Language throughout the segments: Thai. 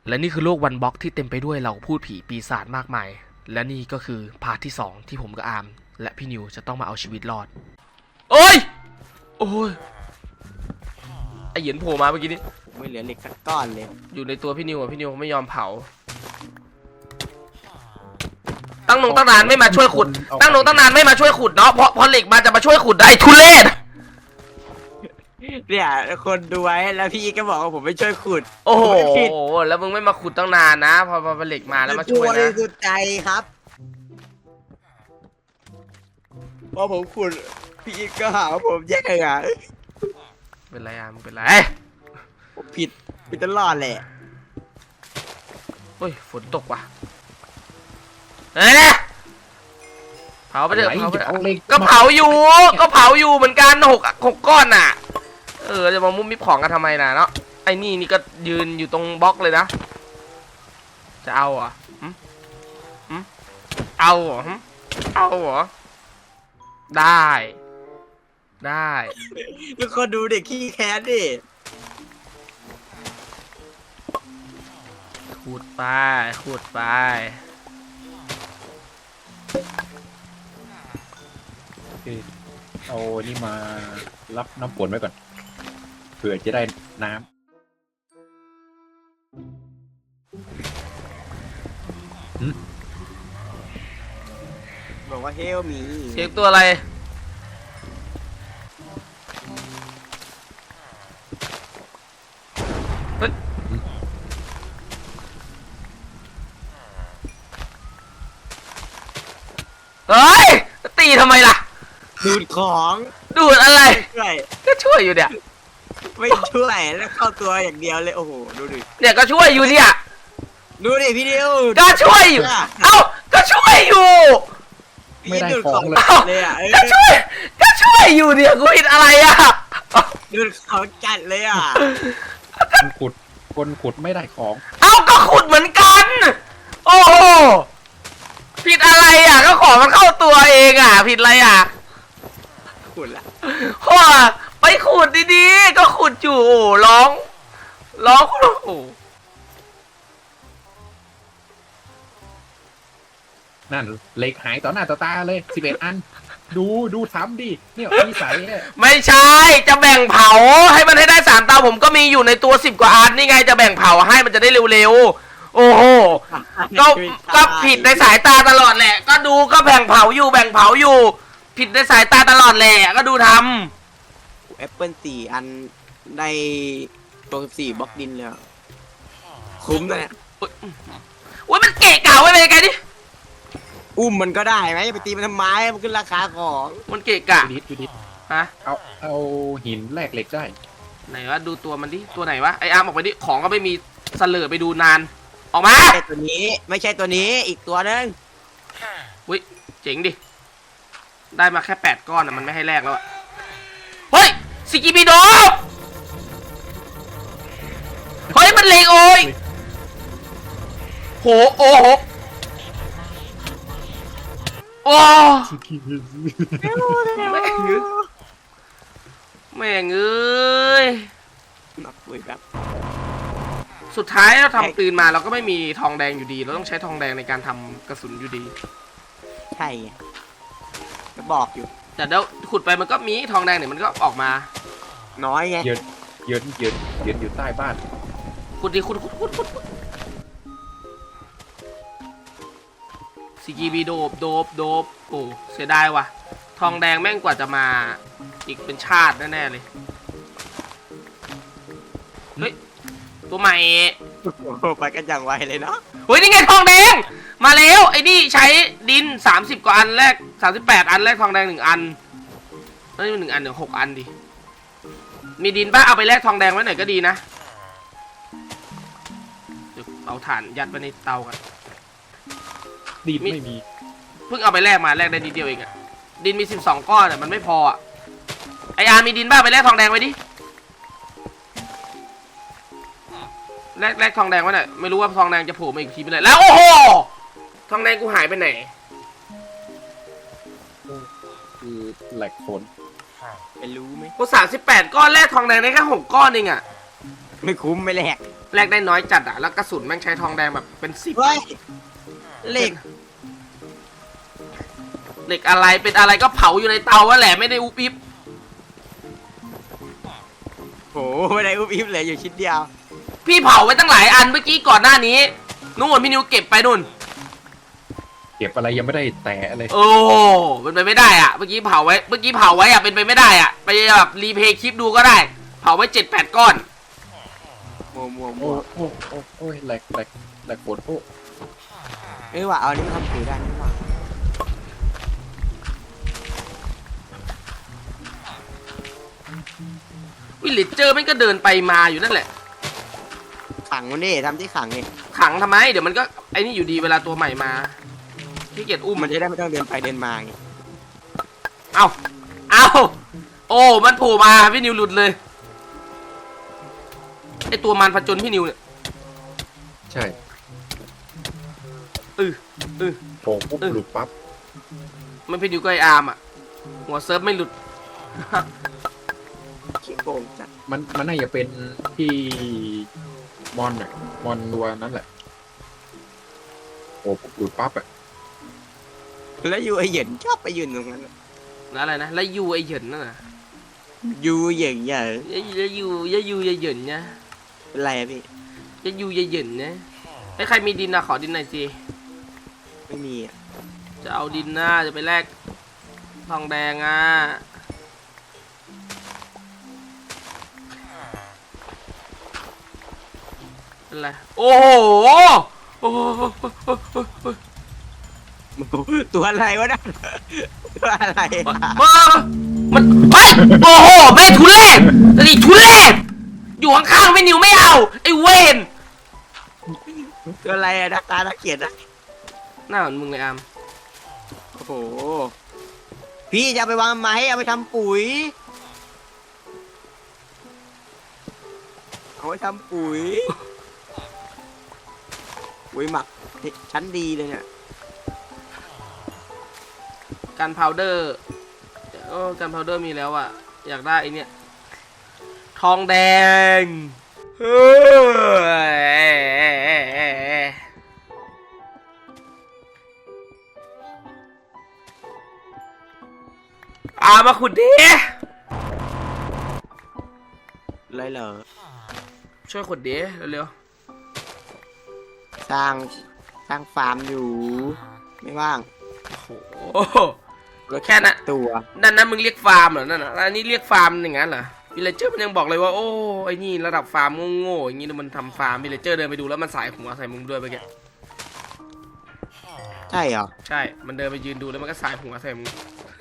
และนี่คือโลกวันบล็อกที่เต็มไปด้วยเหล่าพูดผีปีศาจมากมายและนี่ก็คือพาร์ทที่2ที่ผมกับอาร์มและพี่นิวจะต้องมาเอาชีวิตรอดโอ้ยโอ้ยไอเหยียนโผล่มาเมื่อกี้นี้ไม่เหลือเหล็กสักก้อนเลยอยู่ในตัวพี่นิวพี่นิวไม่ยอมเผาตั้งนานไม่มาช่วยขุดตั้งนานไม่มาช่วยขุดเนาะเพราะเหล็กมาจะมาช่วยขุดได้ทุเรศเนี่ยคนดูไว้แล้วพี่ก็บอกว่าผมไม่ช่วยขุดโอ้โหแล้วมึงไม่มาขุดตั้งนานนะพอเหล็กมาแล้วมาช่วยนะสุดใจครับพอผมขุดพี่ก็หาว่าผมแย่ไงเป็นไรอ่ะมึงเป็นไรผมผิดตลอดแหละเฮ้ยฝนตกว่ะเฮ้ยเผาไปเถอะก็เผาอยู่เหมือนกันหกก้อนน่ะจะมามุ้มมิบของกันทำไมน่ะเนาะไอ้นี่ก็ยืนอยู่ตรงบล็อกเลยนะจะเอาเหรอเอาเหรอได้แล้วก็ดูเด็กขี้แค้นดิขุดไปเอานี่มารับน้ำฝนไว้ก่อนเผื่อจะได้น้ำบอกว่าเฮลมีเช็คตัวอะไรเฮ้ยตีทำไมล่ะดูดของดูดอะไรก็ช่วยอยู่เนี่ยไม่ช่วยแล้วเข้าตัวอย่างเดียวเลยโอ้โหดูดิเนี่ยก็ช่วยอยู่เนี่ยดูดิพี่ดิวก็ช่วยอยู่ก็ช่วยอยู่ไม่ได้ของเลยอ่ะก็ช่วยอยู่เนี่ยกูผิดอะไรอ่ะดูดของจัดเลยอ่ะคนขุดไม่ได้ของก็ขุดเหมือนกันโอ้โหผิดอะไรอ่ะก็ของมันเข้าตัวเองอ่ะผิดอะไรอ่ะขุดละไปขุดดีๆก็ขุดอยู่ร้องโอ้นั่นเหล็กหายต่อหน้าต่อตาเลย11 อันดูทำดิเนี่ยนิสัยไม่ใช่จะแบ่งเผาให้มันให้ได้3 เตาผมก็มีอยู่ในตัว10 กว่าอันนี่ไงจะแบ่งเผาให้มันจะได้เร็วๆโอ้โหก็ผิดในสายตาตลอดแหละก็ดูก็แบ่งเผาอยู่ผิดในสายตาตลอดแหละก็ดูทำแอปเปิล4 อันได้ตัว14 บล็อกดินเลยคุ้มเลยเนี่ยโอ้ยมันเกะกะไว้เลยไงดิอุ้มมันก็ได้ไหมไปตีมันทำไมมันขึ้นราคาของมันเกะกะดิฮะเอาหินแลกเหล็กได้ไหนวะดูตัวมันดิตัวไหนวะไออาร์มออกไปดิของก็ไม่มีเสลอไปดูนานออกมาไม่ใช่ตัวนี้อีกตัวนึงอุ้ยเจ๋งดิได้มาแค่8 ก้อนมันไม่ให้แลกแล้วอะเฮ้ยสกิบิโดเฮ้ยมันเลงโอ้ยโหโอ้โหโอ้แม่งเอ้ยนักคุยแบบสุดท้ายเราทำปืนมาเราก็ไม่มีทองแดงอยู่ดีเราต้องใช้ทองแดงในการทำกระสุนอยู่ดีใช่ก็บอกอยู่แต่เดี๋ยวขุดไปมันก็มีทองแดงเนี่ยมันก็ออกมาน้อยไงยืนอยู่ใต้บ้านขุดดิขุดสกีบีโดบโอ้เสียดายว่ะทองแดงแม่งกว่าจะมาอีกเป็นชาติแน่ๆเลยเฮ้ยตัวใหม่ไปกันอย่างไวเลยเนาะเฮ้ยนี่ไงทองแดงมาแล้วไอ้นี่ใช้ดิน30 กว่าอันแรก38 อันแรกทองแดง1 อันนี่มัน1 อัน6 อันดิมีดินป่ะเอาไปแลกทองแดงไว้หน่อยก็ดีนะเดี๋ยวเอาถ่านยัดไว้ในเตากันดินไม่มีเพิ่งเอาไปแลกได้นิดเดียวเองอะดินมี12 ก้อนอะมันไม่พออะไออาร์มีดินบ้าไปแลกทองแดงไว้ดิแลกทองแดงไว้หน่อยไม่รู้ว่าทองแดงจะโผล่มาอีกทีไปไหนแล้วโอ้โหทองแดงกูหายไปไหนคือแหลกฝนไปรู้ไหมกู38 ก้อนแลกทองแดงได้แค่6 ก้อนเองอะไม่คุ้มไม่แลกแลกได้น้อยจัดอะแล้วกระสุนแม่งใช้ทองแดงแบบเป็น10 เฮ้ยเหล็กเหล็กอะไรเป็นอะไรก็เผาอยู่ในเตาแหละไม่ได้อุบอิบโหไม่ได้อุบอิบเลยอยู่ชิ้นเดียวพี่เผาไว้ตั้งหลายอันเมื่อกี้ก่อนหน้านี้นู่นพี่นิวเก็บไปนู่นเก็บอะไรยังไม่ได้แตะเลยโอ้เป็นไปไม่ได้อะเมื่อกี้เผาไว้อะเป็นไปไม่ได้อะไปแบบรีเพย์คลิปดูก็ได้เผาไว้7-8 ก้อนมัวโอ้ยแหลกปวดโอ้เอ้ยว่ะเอาอันนี้มาทำปุ๋ยได้นี่ว่ะวิลเลจเจอร์มันก็เดินไปมาอยู่นั่นแหละขังมันดิทำที่ขังนี่ขังทำไมเดี๋ยวมันก็ไอ้นี่อยู่ดีเวลาตัวใหม่มาขี้เกียจอุ้มมันจะได้ไม่ต้องเดินไปเดินมาไงเอาโอ้มันโผล่มาพี่นิวหลุดเลยไอตัวมันผจญพี่นิวเนี่ยใช่ โผล่ปุ๊บหลุดปั๊บมันพี่นิวก็ไออาร์มอ่ะหัวเซิร์ฟไม่หลุดขี้โกงจัดมันน่าจะเป็นที่มอนอะมอนตัวนั้นแหละโอ้ปุ๊บหลุดปั๊บอะแล้วยูไอเหย็นชอบไปยืนตรงนั้นแล้วอะไรนะแล้วยูไอเหยินนั่นน่ะยูเหย็นใหญ่ยูไอเหยินนะเป็นไรอะพี่ยูไอเหยินนะไอใครมีดินนะขอดินหน่อยสิไม่มีอะจะเอาดินนะจะไปแลกทองแดงอ่ะเป็นไรโอ้โหโอ้โหตัวอะไรวะนะตัวอะไรอะมันเฮ้ยโอ้โหแม่งทุเรศแต่นี่ทุเรศอยู่ข้างๆไม่นิวไม่เอาไอ้เวนตัวอะไรอะนักตานักเขียนนะหน้าเหมือนมึงเลยอามโอ้โหพี่จะเอาไปวางทำไมเอาไปทำปุ๋ยเอาไปทำปุ๋ยปุ๋ยหมักชั้นดีเลยเนี่ยการพาวเดอร์โอ้การพาวเดอร์มีแล้วอ่ะอยากได้ไอเนี่ยทองแดงเฮ้ยมาขุดดิเลยเหรอช่วยขุดดิเร็วสร้างฟาร์มอยู่ ไม่ว่างๆโอ้โหแค่นั้นตัวนั่นมึงเรียกฟาร์มเหรอนั่นน่ะอันนี้เรียกฟาร์มอย่างนั้นเหรอวิลเลเจอร์มันยังบอกเลยว่าโอ้ไอ้นี่ระดับฟาร์มโง่ๆอย่างนี้มันทำฟาร์มวิลเลเจอร์เดินไปดูแล้วมันสายหัวใส่มึงด้วยเมื่อกี้ใช่เหรอใช่มันเดินไปยืนดูแล้วมันก็สายหัวใส่มึง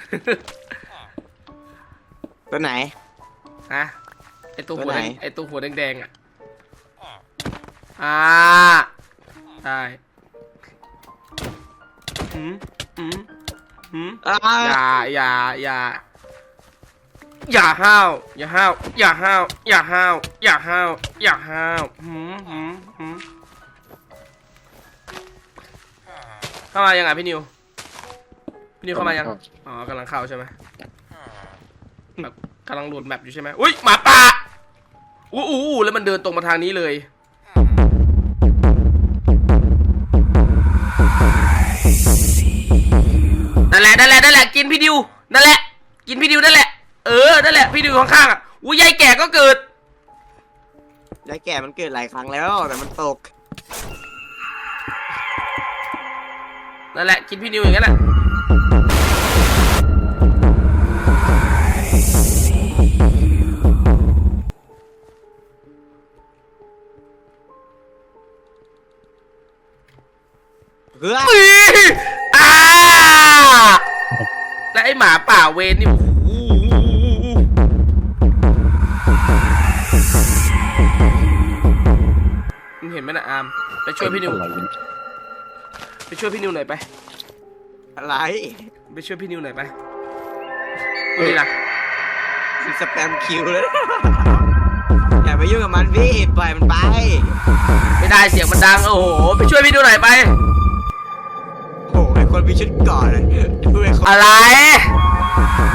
ตัวไหนฮะไอตัวหัวตัวไหนไอตัวหัวแดงๆอ่ะได้ หืมอ่าอย่าห้าวเข้ามายังไงพี่นิวเข้ามายังอ๋อกำลังเข้าใช่ไหมแบบกำลังโหลดแมปอยู่ใช่ไหมอุ้ยหมาป่าอู้แล้วมันเดินตรงมาทางนี้เลยนั่นแหละกินพี่ดิวนั่นแหละกินพี่ดิวนั่นแหละนั่นแหละพี่ดิวข้างๆอ่ะอุ้ยยายแก่ก็เกิดยายแก่มันเกิดหลายครั้งแล้วแต่มันตกนั่นแหละกินพี่ดิวอย่างนั้นแหละเฮ้ยและไอหมาป่าเวนนี่มึงเห็นไหมนะอามไปช่วยพี่นิวหน่อยไปอะไรไปช่วยพี่นิวหน่อยไปนี่ล่ะสแปมคิวเลยอย่าไปยุ่งกับมันพี่ปล่อยมันไปไม่ได้เสียงมันดังโอ้โหไปช่วยพี่นิวหน่อยไปโอ้ไอคนมีชุดก่อนดูไอคนอะไร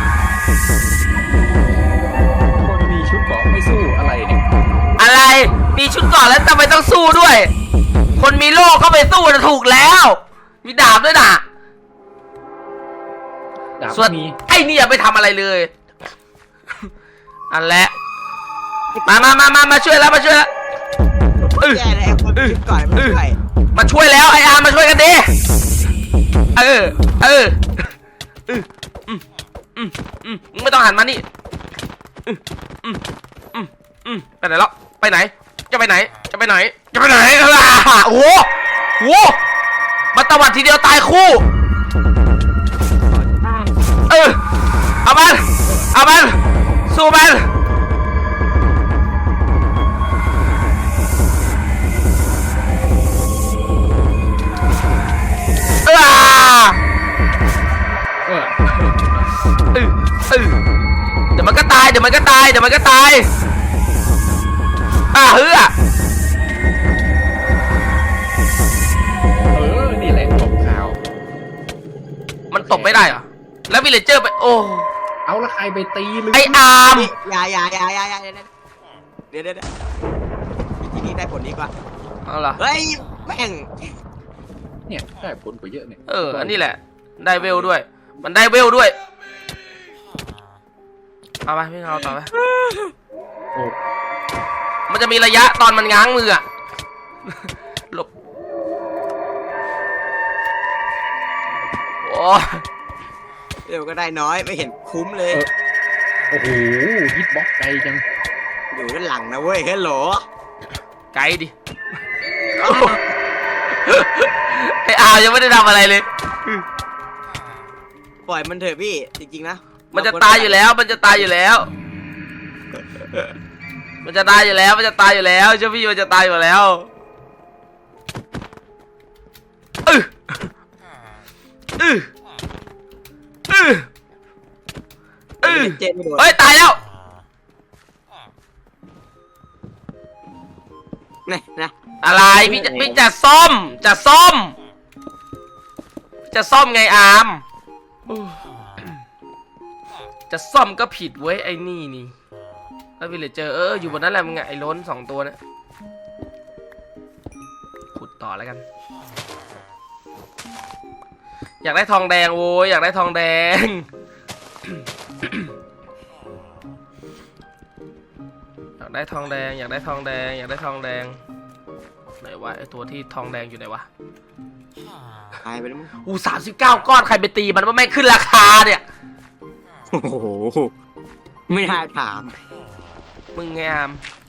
คนมีชุดเกราะไม่สู้อะไรเนี่ยอะไรมีชุดเกราะแล้วทำไมต้องสู้ด้วย คนมีโล่ก็ไปสู้นะถูกแล้ว มีดาบด้วยนะดาบส่วนมีไอ้นี่อย่าไปทำอะไรเลย อันแหละมาช่วยแล้วมาช่วยแล้วแย่เลยคนชุดก่อนไม่ใช่มาช่วยแล้วไออาร์มาช่วยกันดิมึงไม่ต้องหันมานี่ไปไหนแล้วไปไหนจะไปไหนจะไปไหนจะไปไหนโอ้โหมาตะวัดทีเดียวตายคู่เอามันสู้มันเดี๋ยวมันก็ตายเฮ้ยนี่แหละตบข่าวมันตบไม่ได้เหรอแล้ววิลเลเจอร์ไปโอ้เอาละใครไปตีหรือไออาร์มอย่าเดี๋ยววิธีนี้ได้ผลดีกว่าเอาเหรอเฮ้ยแม่งเนี่ยได้ผลกว่าเยอะเนี่ยอันนี้แหละได้เวลด้วยมันได้เวลด้วยเอาไปพี่เอาต่อไปโอ้มันจะมีระยะตอนมันง้างมืออะหลบโอ้เดี๋ยวก็ได้น้อยไม่เห็นคุ้มเลยโอ้โหฮิตบ็อกไกลจังอยู่ด้านหลังนะเว้ยฮัลโหลไกลดิไออาร์ยังไม่ได้ทำอะไรเลยปล่อยมันเถอะพี่จริงๆนะมันจะตายอยู่แล้วเจ้าพี่มันจะตายอยู่แล้วเจ้าพี่มันจะตายอยู่แล้วเจนไม่โดนเฮ้ยตายแล้วนะอะไรพี่จะซ่อมไงอาร์มจะซ่อมก็ผิดเว้ยไอ้นี่แล้ววิลเลเจอร์อยู่บนนั้นแหละมึงไงไอ้ล้น2 ตัวนะขุดต่อแล้วกัน อยากได้ทองแดงโว้ยอยากได้ทองแดง อยากได้ทองแดงไหนวะไอตัวที่ทองแดงอยู่ไหนวะหายไปแล้วมั้ง 39 ก้อนใครไปตีมันว่าไม่ขึ้นราคาเนี่ยโอ้โหไม่น่าถามมึงไงอาม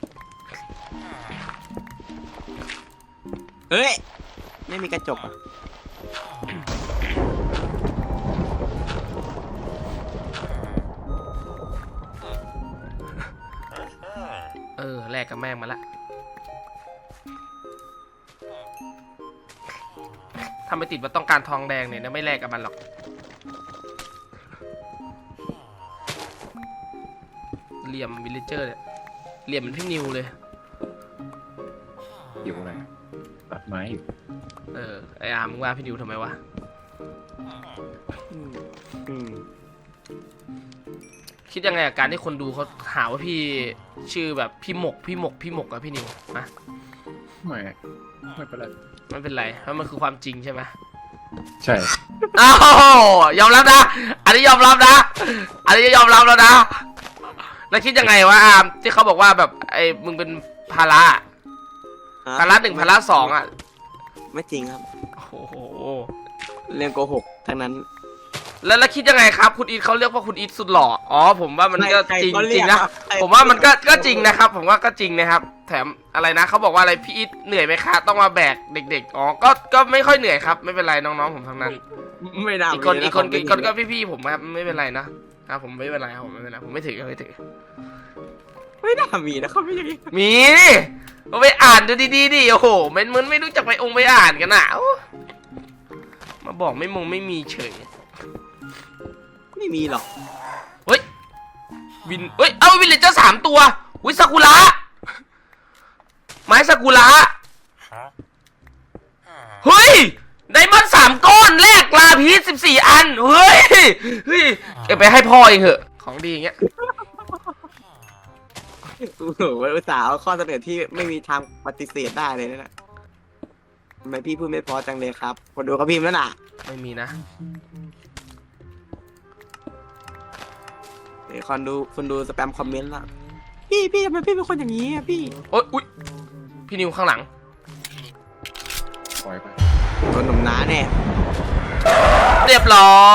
เฮ้ยไม่มีกระจกอ่ะแลกกับแม่งมาละถ้าไม่ติดว่าต้องการทองแดงเนี่ยไม่แลกกับมันหรอกเหลี่ยมวิลเลเจอร์เนี่ยเหลี่ยมมันพี่นิวเลยอยู่อะไรตัดไม้อยู่ไออาร์มมึงว่าพี่นิวทำไมวะคิดยังไงกับการที่คนดูเขาหาว่าพี่ชื่อแบบพี่หมกอะพี่นิวนะไม่เป็นไรไม่เป็นไรเพราะมันคือความจริงใช่ไหมใช่อ้าวยอมรับนะอันนี้ยอมรับนะแล้วนะแล้วคิดยังไงวะอาร์มที่เขาบอกว่าแบบไอ้มึงเป็นภาระ1ภาระ2อ่ะไม่จริงครับโอ้โหเรื่องโกหกทั้งนั้นแล้วคิดยังไงครับคุณอีทเขาเรียกว่าคุณอีทสุดหล่ออ๋อผมว่ามันก็ใครจริงเขาเรีจริยงกนะใครผมว่ามันก็จริงนะครับผมว่าก็จริงนะครับแถมอะไรนะเขาบอกว่าอะไรพี่อีทเหนื่อยไหมคะต้องมาแบกเด็กๆอ๋อก็ไม่ค่อยเหนื่อยครับไม่เป็นไรน้องๆผมทั้งนั้นไม่น่าอีกคนก็พี่ๆผมครับไม่เป็นไรนะครับผมไม่เป็นไรครับผมไม่เป็นไรผมไม่ถือไม่น่ามีนะเขาไม่ยังมีเอาไปอ่านดูดีๆดิโอ้โหมันไม่รู้จักไปอ่านกันอ่ะมาบอกไม่มีเฉยไม่มีหรอกเฮ้ยเอาวิลเลจเจอร์3 ตัววิซากุระไม้ซากุระเฮ้ยไดมอนด์3 ก้อนแลกลาพีช14 อันเฮ้ยเก็บไปให้พ่อเองเหอะของดีอย่างเงี้ยโอ้โหอุตส่าห์เอาข้อเสนอที่ไม่มีทางปฏิเสธได้เลยนะทำไมพี่พูดไม่พอจังเลยครับคนดูเขาพิมพ์แล้วน่ะไม่มีนะเดี๋ยวคนดูสแปมคอมเมนต์ละพี่ทำไมพี่เป็นคนอย่างนี้อ่ะพี่โอ๊ยอุ๊ยพี่นิวข้างหลังปล่อยไปโดนหนุ่มน้าแน่เรียบร้อย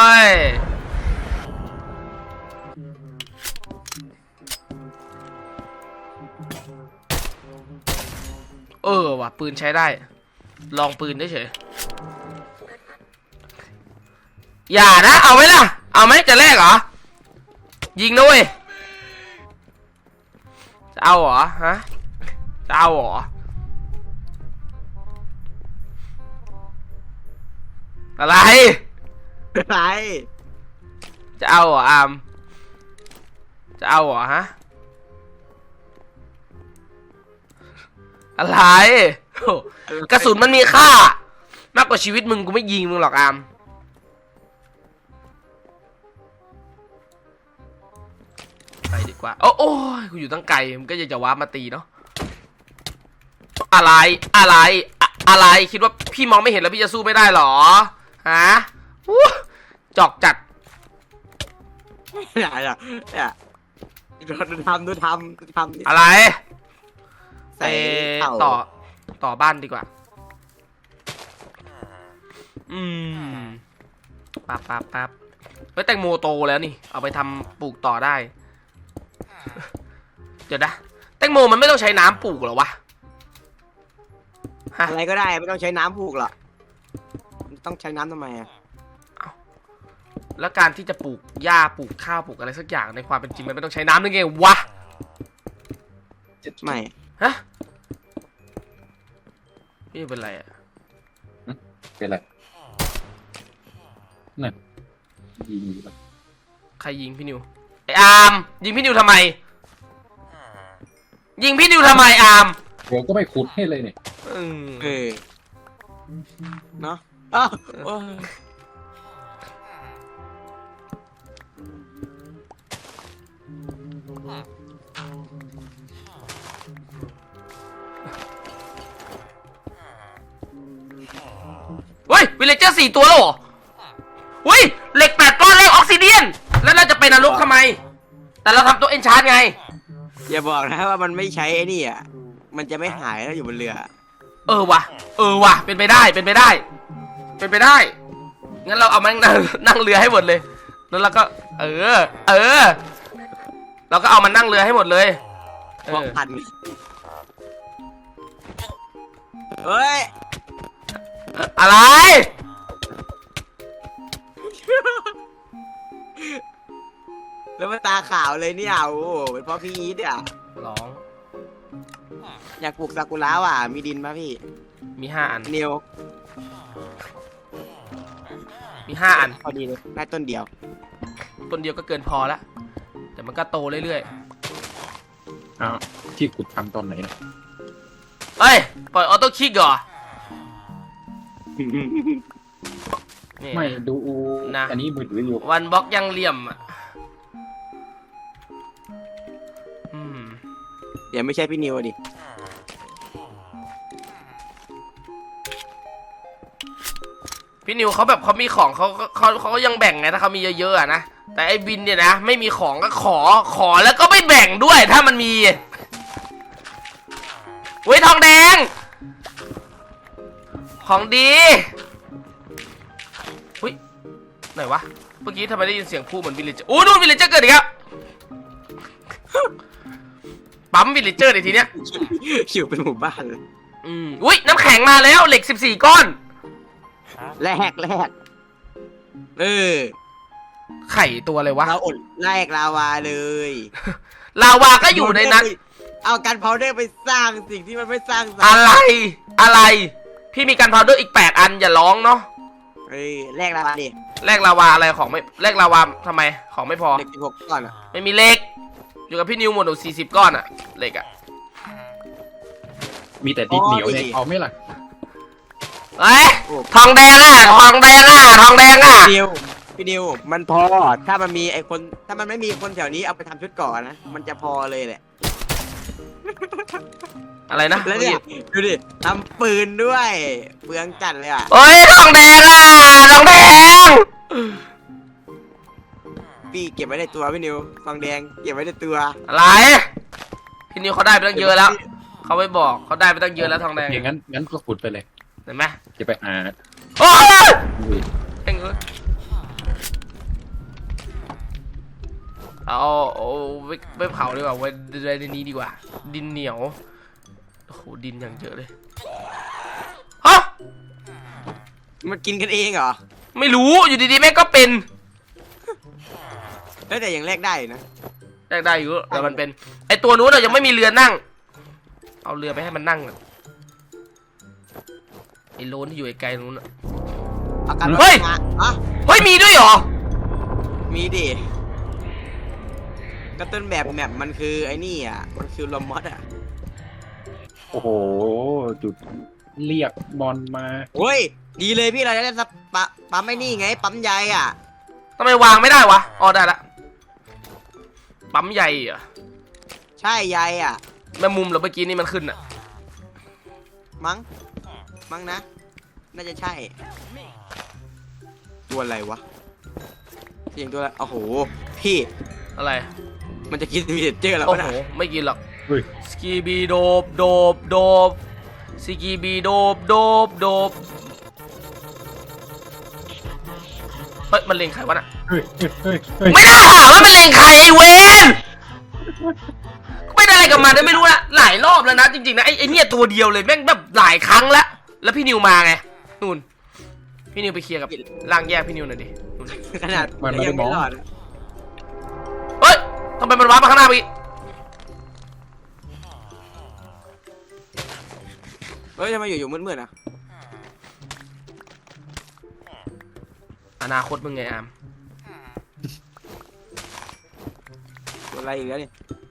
ว่ะปืนใช้ได้ ลองปืนได้เฉยอย่านะ เอาไหมล่ะ เอาไหมจะแลกเหรอ ยิงนะเว้ยจะเอาเหรอ ฮะ จะเอาเหรอ อะไรอะไรจะเอาเหรออาม จะเอาเหรอฮะ อะไรโอ้กระสุนมันมีค่ามากกว่าชีวิตมึงกูไม่ยิงมึงหรอกอาม ไปดีกว่า โอ้ยกูอยู่ตั้งไกลมันก็จะวาร์ปมาตีเนาะ อะไร อะไร คิดว่าพี่มองไม่เห็นแล้วพี่จะสู้ไม่ได้หรอ ฮะอู้จอกจัดเนี่ยดูทำอะไรใส่เต่าต่อบ้านดีกว่า ปั๊บเฮ้ยแตงโมโตแล้วนี่ เอาไปทำปลูกต่อได้ เดี๋ยวนะ แตงโมมันไม่ต้องใช้น้ำปลูกเหรอวะ ฮะอะไรก็ได้ไม่ต้องใช้น้ำผูกหรอกต้องใช้น้ำทำไมอ่ะแล้วการที่จะปลูกหญ้าปลูกข้าวปลูกอะไรสักอย่างในความเป็นจริงมันไม่ต้องใช้น้ำได้ไงวะไม่ฮะ พี่เป็นไรอ่ะเป็นไรนั่นยิงอยู่ปะใครยิงพี่นิว ไออาร์มยิงพี่นิวทำไม ยิงพี่นิวทำไมอาร์มเดี๋ยวก็ไม่ขุดให้เลยเนี่ยเนาะอ้าวโอ้ยเฮ้ยวิลเลเจอร์4 ตัวแล้วเหรอเฮ้ยเหล็ก8 ก้อนแรกออกซิเดียน แล้วเราจะไปนรกทำไม แต่เราทำตัวเอนชาร์ไงอย่าบอกนะว่ามันไม่ใช้ไอ้นี่อ่ะมันจะไม่หายถ้าอยู่บนเรือว่ะ เป็นไปได้ งั้นเราเอามันนั่งเรือให้หมดเลย แล้วเราก็ เราก็เอามันนั่งเรือให้หมดเลยบอกพันเฮ้ยอะไรแล้วมันตาขาวเลยเนี่ยโอ้โหเป็นเพราะพี่อีทอ่ะร้องอยากปลูกซากุระว่ะมีดินป่ะพี่มี5 อันเนียวมี5 อันพอดีเลยได้ต้นเดียวต้นเดียวก็เกินพอละแต่มันก็โตเรื่อยอ้าวที่ขุดทำตอนไหนเนี่ยๆเอ้ย ปล่อยออโต้คลิกเหรอนี่ไม่ดูนะอันนี้มือถืออยู่วันบล็อกยังเหลี่ยมอ่ะเดี๋ยวไม่ใช่พี่นิวดิพี่นิวเขาแบบเขามีของเขาก็ยังแบ่งไงถ้าเขามีเยอะๆอะนะ แต่ไอ้บินเนี่ยนะไม่มีของก็ขอแล้วก็ไม่แบ่งด้วยถ้ามันมีเว้ยทองแดง ของดีอุ้ยไหนวะเมื่อกี้ทำไมได้ยินเสียงพูดเหมือนวิลเลจเจอร์โอ้นู่นวิลเลจเจอร์เกิดอีกแล้วปั๊มวิลเลจเจอร์ในทีเนี้ยอยู่เป็นหมู่บ้านเลยอุ้ยน้ำแข็งมาแล้วเหล็ก14 ก้อนแรกไข่ตัวอะไรวะเราอดแรกลาวาเลยลาวาก็อยู่ในนั้นเอากันพาวเดอร์ไปสร้างสิ่งที่มันไม่สร้างอะไร พี่มีกันพาวเดอร์อีก8 อันอย่าร้องเนาะแรกลาวาดิแลกลาวาอะไรของไม่แลกลาวาทำไมของไม่พอเด็ก16ก่อนอ่ะไม่มีเหล็ก อยู่กับพี่นิวหมดหนู40 ก้อนอะเหล็กอะมีแต่ดินเหนียวเนี่ยเอาไหม่ล่ะเอ้ยทองแดงอะทองแดงอะพี่นิวมันพอถ้ามันมีไอคนถ้ามันไม่มีคนแถวนี้เอาไปทำชุดก่อนนะมันจะพอเลยแหละอะไรนะแล้วเนี่ยดูดิทำปืนด้วยเปลืองจัดเลยอ่ะเฮ้ยทองแดงอ่ะทองแดงพี่เก็บไว้ในตัวพี่นิวทองแดงเก็บไว้ในตัวอะไรพี่นิวเขาได้ไปตั้งเยอะแล้วเขาไม่บอกเขาได้ไปตั้งเยอะแล้วทองแดงอย่างงั้นก็ขุดไปเลยเห็นไหมจะไปหาโอ้ยอุ้ยแม่งเอ้ยเอาไปเผาดีกว่าไว้ในนี้ดีกว่า ดินเหนียวโอ้โหดินอย่างเยอะเลยฮะมันกินกันเองเหรอไม่รู้อยู่ดีๆแม่งก็เป็นแต่ยังแลกได้นะแรกได้อยู่แต่มันเป็นไอตัวนู้นเรายังไม่มีเรือนั่ง เอาเรือไปให้มันนั่งก่อนไอโลนที่อยู่ไกลๆนู้นน่ะอาการเฮ้ยอ่ะเฮ้ยมีด้วยเหรอมีดิก็ต้นแบบแมปมันคือไอ้นี่อ่ะมันคือลมมอสอ่ะโอ้โหจุดเรียกบอลมาเฮ้ยดีเลยพี่เราจะได้ปั๊มไม่นี่ไงปั๊มใยอ่ะทำไมวางไม่ได้วะอ๋อได้ละปั๊มใหญ่เหรอใช่ใยอ่ะแม่มุมเหรอเมื่อกี้นี่มันขึ้นอะมั้งนะ น่าจะใช่ ตัวอะไรวะเสียงตัวอะไรโอ้โหพี่อะไรมันจะกินมีเจอร์แล้วโอ้วะโหนะไม่กินหรอกเฮ้ยสกีบีโดบโดบโดบสกีบีโดบโดบโดบเฮ้ยมันเล็งใครวะน่ะเฮ้ยเฮ้ยเฮ้ยไม่ได้ถามว่ามันเล็งใครไอ้เวนไม่ได้อะไรกับมันไม่รู้ละหลายรอบแล้วนะจริงๆนะไอ้เนี่ยตัวเดียวเลยแม่งแบบหลายครั้งแล้วแล้วพี่นิวมาไงนู่นพี่นิวไปเคลียร์กับร่างแยกพี่นิวหน่อยดินู่นขนาดมันไม่ได้มองรอดเฮ้ยทำไมมันว้าร์ปมาข้างหน้าไปอีกเฮ้ยทำไมอยู่มืดๆอ่ะอนาคตมึงไงอามตัวอะไรอีกแล้วนี่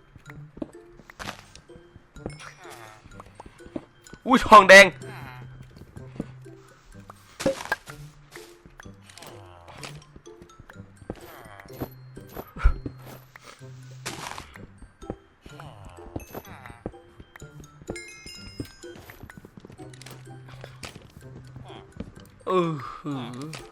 อุ้ยทองแดงหือ